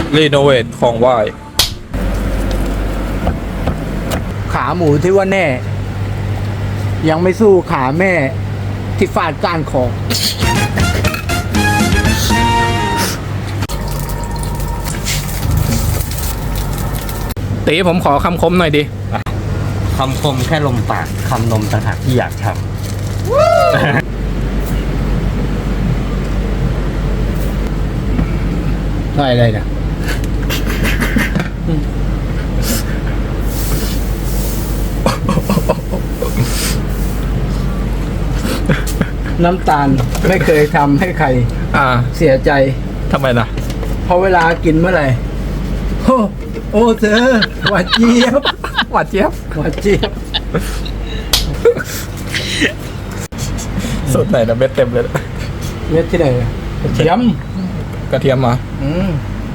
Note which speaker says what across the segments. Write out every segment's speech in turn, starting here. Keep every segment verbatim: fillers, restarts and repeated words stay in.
Speaker 1: รีโนเวทของไหว้
Speaker 2: ขาหมูที่ว่าแน่ ยังไม่สู้ขาแม่ที่ฟาดก้านคอ
Speaker 1: ตีผมขอคำคมหน่อยดิ
Speaker 3: คำคมแค่ลมปากคำนมต่างหากที่อยากท
Speaker 2: ได้อะไรนะน้ำตาลไม่เคยทำให้ใคร
Speaker 1: อ่า
Speaker 2: เสียใจ
Speaker 1: ทำไมนะ
Speaker 2: เพราะเวลากินเมื่อไหร่โอ้โอ้เธอหวานเจี๊ยบ
Speaker 1: หวานเจี๊ยบ
Speaker 2: หวานเจี๊ยบ
Speaker 1: สุดไหนนะเม็ดเต็มเลย
Speaker 2: เม็ดที่ไหนกระเทียม
Speaker 1: กระเทียมมา
Speaker 2: อืม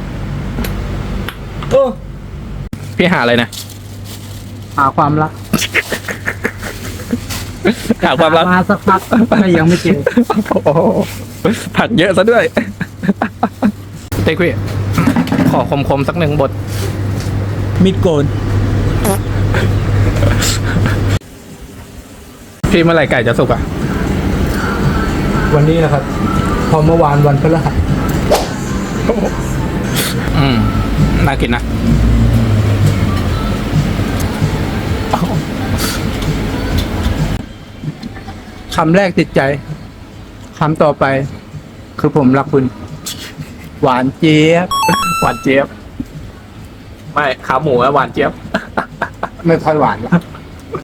Speaker 2: โอ้
Speaker 1: พี่หาอะไรนะ
Speaker 2: หาความรัก
Speaker 1: หาความรัก
Speaker 2: มาสักพักก็ยังไม่เจอ
Speaker 1: โอ้โหผักเยอะซะด้วย เต้คุยขอคมๆสักหนึ่งบท
Speaker 2: มิดโกน
Speaker 1: พี่เมื่อไหร่ไก่จะสุกอ่ะ
Speaker 2: วันนี้นะครับ พอเมื่อวานวันพฤหัส
Speaker 1: อืม น่ากินนะ
Speaker 2: คำแรกติดใจ คำต่อไป คือผมรักคุณ หวานเจี๊ยบ
Speaker 1: หวานเจี๊ยบ ไม่ขาหมูอะหวานเจี๊ยบ
Speaker 2: ไม่ค่อยหวานหรอก